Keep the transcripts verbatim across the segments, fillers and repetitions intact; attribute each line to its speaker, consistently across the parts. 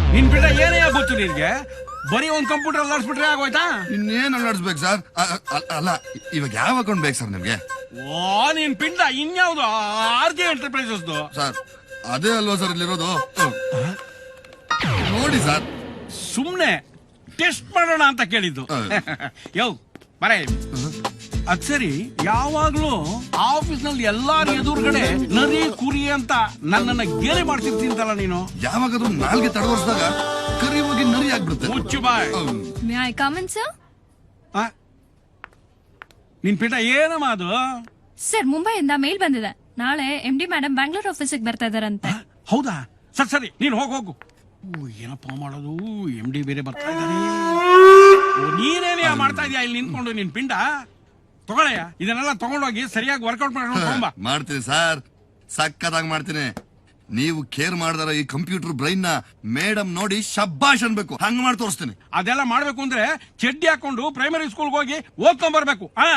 Speaker 1: ನಿನ್ ಬಿಟ್ಟ ಏನೇ ಗೊತ್ತು ನಿನ್ಗೆ? ಬರೀ ಒಂದ್ ಕಂಪ್ಯೂಟರ್ ಅಲ್ಲಾಡ್ಸ್ಬಿಟ್ರೆ ಆಗೋಯ್ತಾ?
Speaker 2: ಇನ್ನೇನ್ ಅಲ್ಲಾಡಿಸ್ಬೇಕು ಸರ್? ಅಲ್ಲ ಇವಾಗ ಯಾವ ಅಕೌಂಟ್ ಬೇಕು ಸರ್ ನಿಮ್ಗೆ?
Speaker 1: ಓ ನಿನ್ ಪಿಂಡ ಇನ್ಯಾವ್ದು? ಆರ್ ಕೆ ಎಂಟರ್ಪ್ರೈಸಸ್
Speaker 2: ಸರ್ ಅದೇ ಅಲ್ವಾ ಸರ್ ಇಲ್ಲಿರೋದು? ನೋಡಿ ಸರ್,
Speaker 1: ಸುಮ್ನೆ ಟೆಸ್ಟ್ ಮಾಡೋಣ ಅಂತ ಕೇಳಿದ್ದು. ಯೋ ಬರ ಅದ್ ಸರಿ, ಯಾವಾಗ್ಲೂ ಆಫೀಸ್ ನಲ್ಲಿ ಎಲ್ಲಾರ ಎದುರುಗಡೆ ನರಿ ಕುರಿ ಅಂತ ನನ್ನನ್ನ ಗೇಲಿ ಮಾಡ್ತಿರ್ತೀಂತಲ್ಲ ನೀನು.
Speaker 2: ಯಾವಾಗಾದ್ರೂ ನಾಲ್ಗೆ ತಡವರ್ಸಿದಾಗ ಕರಿ ಹೋಗಿ ನರಿ ಆಗ್ಬಿಡುತ್ತೆ.
Speaker 1: ಮುಚ್ಚು ಬಾಯ್.
Speaker 3: May I come in sir?
Speaker 1: ನಿನ್ ಪಿಂಡ ಏನಮ್ಮ ಅದು?
Speaker 3: ಸರ್ ಮುಂಬೈಯಿಂದ ಮೇಲ್ ಬಂದಿದೆ. ನಾಳೆ ಎಂ ಡಿ ಮೇಡಮ್ ಬ್ಯಾಂಗ್ಳೂರ್ ಆಫೀಸಿಗೆ ಬರ್ತಾ ಇದಾರಂತೆ.
Speaker 1: ಹೌದಾ? ಸರಿ ಸರಿ, ನೀನ್ ಹೋಗ್ ಹೋಗು. ಏನಪ್ಪಾ ಮಾಡೋದು? ಎಂ ಡಿ ಬೇರೆ ಬರ್ತಾ ಇದ್ದಾನೆ. ನೀನೇನೇ ಮಾಡ್ತಾ ಇದೀಯ ಇಲ್ಲಿ ನಿಂತ್ಕೊಂಡು? ನಿನ್ ಪಿಂಡ ತಗೊಳಯ್ಯ, ಇದನ್ನೆಲ್ಲ ತಗೊಂಡೋಗಿ ಸರಿಯಾಗಿ ವರ್ಕೌಟ್ ಮಾಡಿ
Speaker 2: ಮಾಡ್ತೀನಿ ಸರ್, ಸಕ್ಕತ್ತಾಗಿ ಮಾಡ್ತೀನಿ. ನೀವು ಕೇರ್ ಮಾಡಿದಾರ ಈ ಕಂಪ್ಯೂಟರ್ ಬ್ರೈನ್ ನ ಮೇಡಮ್ ನೋಡಿ ಶಬ್ಬಾಷ್ ಅನ್ಬೇಕು. ಹಂಗ ಮಾಡಿ ತೋರಿಸ್ತೀನಿ.
Speaker 1: ಅದೆಲ್ಲ ಮಾಡ್ಬೇಕು ಅಂದ್ರೆ ಚಡ್ಡಿ ಹಾಕೊಂಡು ಪ್ರೈಮರಿ ಸ್ಕೂಲ್ಗೆ ಹೋಗಿ ಓದ್ಕೊಂಡ್ ಬರ್ಬೇಕು. ಹಾ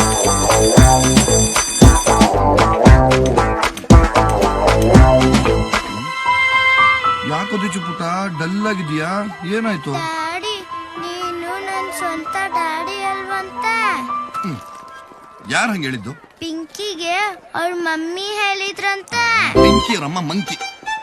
Speaker 2: ಯಾಕೋದಿ ಪುಟ್ಟ ಡಲ್ ಆಗಿದ್ಯಾ? ಏನಾಯ್ತು?
Speaker 4: ಡ್ಯಾಡಿ, ನೀನು ನನ್ ಸ್ವಂತ ಡ್ಯಾಡಿ ಅಲ್ವಂತೆ.
Speaker 2: ಯಾರು ಹಂಗ ಹೇಳಿದ್ದು?
Speaker 4: ಪಿಂಕಿಗೆ ಅವ್ರ ಮಮ್ಮಿ ಹೇಳಿದ್ರಂತೆ.
Speaker 2: ಪಿಂಕಿ ರಮ್ಮ ಮಂಕಿ.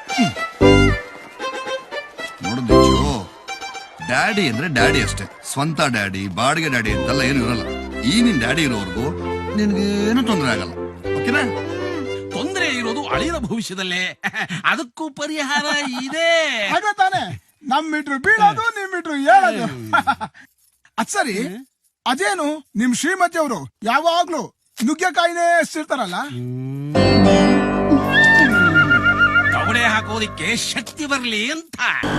Speaker 2: ನೋಡಿದ್ಯೋ, ಡ್ಯಾಡಿ ಅಂದ್ರೆ ಡ್ಯಾಡಿ ಅಷ್ಟೇ. ಸ್ವಂತ ಡ್ಯಾಡಿ, ಬಾಡಿಗೆ ಡ್ಯಾಡಿ ಅಂತೆಲ್ಲ ಏನು ಇರಲ್ಲ. ಈ ನಿನ್ ಡ್ಯಾಡಿ ಇರೋವರೆಗೂ ನಿನ್ಗೇನು ತೊಂದರೆ ಆಗಲ್ಲ. ಓಕೆನಾ?
Speaker 1: ತೊಂದರೆ ಇರೋದು ಅಳಿರ ಭವಿಷ್ಯದಲ್ಲೇ. ಅದಕ್ಕೂ ಪರಿಹಾರ ಇದೆ.
Speaker 5: ಹಾಗೆ ತಾನೆ, ನಮ್ ಮೀಟ್ರು ಬೀಳೋದು, ನಿಮ್ ಮೀಟ್ರು ಹೇಳೋದು. ಅದ್ ಸರಿ, ಅದೇನು ನಿಮ್ ಶ್ರೀಮತಿ ಅವರು ಯಾವಾಗ್ಲೂ ನುಗ್ಗೆಕಾಯಿನೇ ಎಷ್ಟಿರ್ತಾರಲ್ಲ?
Speaker 1: ತವಡೆ ಹಾಕೋದಿಕ್ಕೆ ಶಕ್ತಿ ಬರ್ಲಿ ಅಂತ.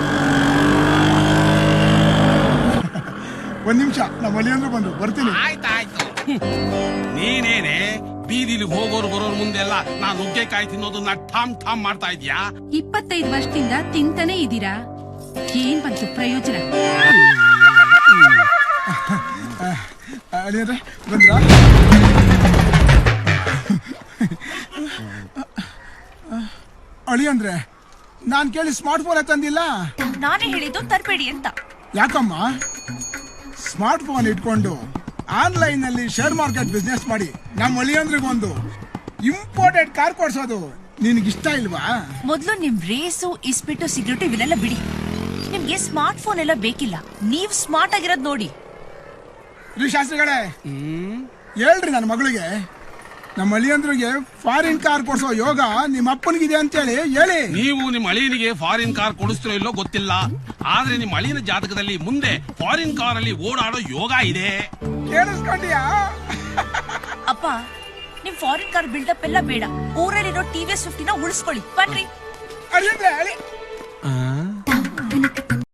Speaker 5: ಒಂದ್ ನಿಮಿಷ, ನಮ್ಮ ಅಳಿಯಂದ್ರು ಬಂದ್ರು, ಬರ್ತೀನಿ.
Speaker 1: ಆಯ್ತಾಯ್ತು. ನೀನೇನೆ ಬೀದಿಲಿ ಹೋಗೋರು ಬರೋರು ಮುಂದೆಲ್ಲ ನಾನ್ ನುಗ್ಗೆಕಾಯಿ ತಿನ್ನೋದನ್ನ ಠಾಮ್ ಠಾಮ್ ಮಾಡ್ತಾ ಇದ್ಯಾ?
Speaker 3: ಇಪ್ಪತ್ತೈದು ವರ್ಷದಿಂದ ತಿಂತಾನೆ ಇದೀರಾ, ಏನ್ ಬಂತು ಪ್ರಯೋಜನ?
Speaker 5: ಅಳಿಯಂದ್ರೆ ಬಂದ್ರ? ಅಳಿಯಂದ್ರೆ ನಾನ್ ಕೇಳಿ ಸ್ಮಾರ್ಟ್ ಫೋನ್ ತಂದಿಲ್ಲ.
Speaker 3: ನಾನೇ ಹೇಳಿದ್ದು ತರಬೇಡಿ ಅಂತ.
Speaker 5: ಯಾಕಮ್ಮ? ಸ್ಮಾರ್ಟ್ ಫೋನ್ ಇಟ್ಕೊಂಡು ಆನ್ಲೈನ್ ನಲ್ಲಿ ಶೇರ್ ಮಾರ್ಕೆಟ್ ಬಿಸ್ನೆಸ್ ಮಾಡಿ ನಮ್ಮ ಅಳಿಯಂದ್ರಿಗೊಂದು ಇಂಪೋರ್ಟೆಡ್ ಕಾರ್ ಕೊಡ್ಸೋದು ನಿನ್ಗಿಷ್ಟ ಇಲ್ವಾ?
Speaker 6: ಮೊದ್ಲು ನಿಮ್ ರೇಸು ಇಸ್ಪಿಟ್ಟು ಸಿಗರೇಟು ಇವೆಲ್ಲ ಬಿಡಿ. ನಿಮ್ಗೆ ಸ್ಮಾರ್ಟ್ ಫೋನ್ ಎಲ್ಲ ಬೇಕಿಲ್ಲ, ನೀವ್ ಸ್ಮಾರ್ಟ್ ಆಗಿರೋದ್ ನೋಡಿ.
Speaker 5: ರೀ ಶಾಸ್ತ್ರಿಗಳೇ, ಹೇಳ್ರಿ ನನ್ನ ಮಗಳಿಗೆ ನಮ್ಮ ಅಳಿಯಂದ್ರಿಗೆ ಫಾರಿನ್ ಕಾರ್ ಕೊಡ್ಸೋ ಯೋಗ ನಿಮ್ಮ ಅಪ್ಪನಿಗಿದೆ ಅಂತೇಳಿ ಹೇಳಿ.
Speaker 1: ನೀವು ನಿಮ್ಮ ಅಳಿಯನಿಗೆ ಫಾರಿನ್ ಕಾರ್ ಕೊಡಿಸ್ತಿರೋ ಇಲ್ಲೋ ಗೊತ್ತಿಲ್ಲ, ಆದ್ರೆ ನಿಮ್ಮ ಅಳಿಯನ ಜಾತಕದಲ್ಲಿ ಮುಂದೆ ಫಾರಿನ್ ಕಾರ್ ಅಲ್ಲಿ ಓಡಾಡೋ ಯೋಗ ಇದೆ.
Speaker 5: ಕೇಳಿಸ್ಕೊಂಡಿಯಾ?
Speaker 6: ಅಪ್ಪ, ನಿಮ್ ಫಾರಿನ್ ಕಾರ್ ಬಿಲ್ಡಪ್ ಎಲ್ಲ ಬೇಡ. ಊರಲ್ಲಿರೋ ಟಿವಿಎಸ್ ಫಿಫ್ಟಿನ ಉಳಿಸ್ಕೊಳ್ಳಿ. ಬನ್ರಿ.
Speaker 5: ಅಳಿಯಂದ್ರೆ ಅಳಿ